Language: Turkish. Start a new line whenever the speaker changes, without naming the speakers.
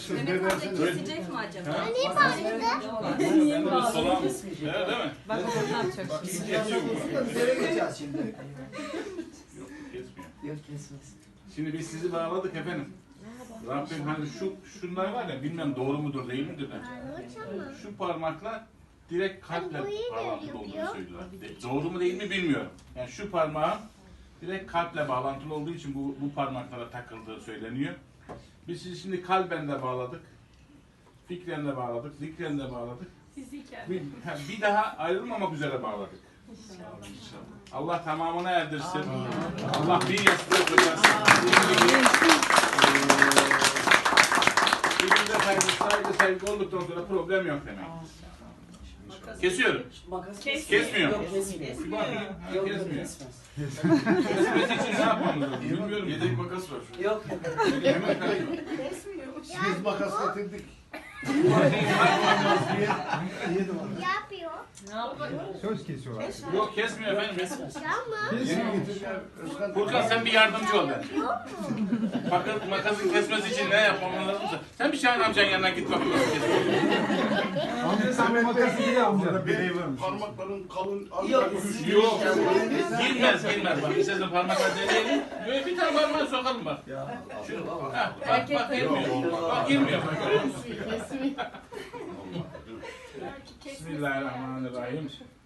Mehmet amca kesecek mi acaba?
Niye bağırdı?
Niye bağlı?
Evet, değil mi?
Bak oradan çok.
Kesiyor mu?
Nereye gideceğiz şimdi?
Yok, kesmiyor.
Yok kesmez.
Şimdi biz sizi bağladık efendim. Rabbim hani şunlar var ya, bilmem doğru mudur değil midir de. Şu parmakla direkt kalple bağlantılı olduğunu söylüyorlar. Doğru mu değil mi bilmiyorum. Yani şu parmağın direkt kalple bağlantılı olduğu için bu parmaklara takıldığı söyleniyor. Biz sizi şimdi kalben de bağladık. Fikren de bağladık, zikren de bağladık. Bir daha ayrılmamak üzere bağladık. Allah tamamına erdirsin. Allah bir yastığı koyarsın. Birbirine saygı sevgi olduktan sonra problem yok demek. Kesiyorum. Kesmiyor.
Yok kesmiyor.
Bir bakayım.
Yok
Kesmiyor.
kesmez.
Kesmesi için ne yapmamız lazım? Bilmiyorum. Yedek makas var.
Yok.
Hemen kaçıyor.
Biz makas getirdik.
Yapıyor.
Ne yapıyor?
Söz kesiyorlar.
Yok kesmiyor efendim.
Yapma.
Yeni getirdiler. Özkan.
Furkan sen bir yardımcı ol ben. Bakın makasın kesmesi için ne yapmamız lazımsa. Sen bir Şahin amcanın yanına git bakayım.
Amca sen bu makası bile amca.
Bir parmakların kalın.
Yok.
Yok. Girmez. Bak istersen parmakla deneyelim. Böyle bir tane parmağı sokalım bak. Bak girmiyor. Bak girmiyor. Bismillahirrahmanirrahim.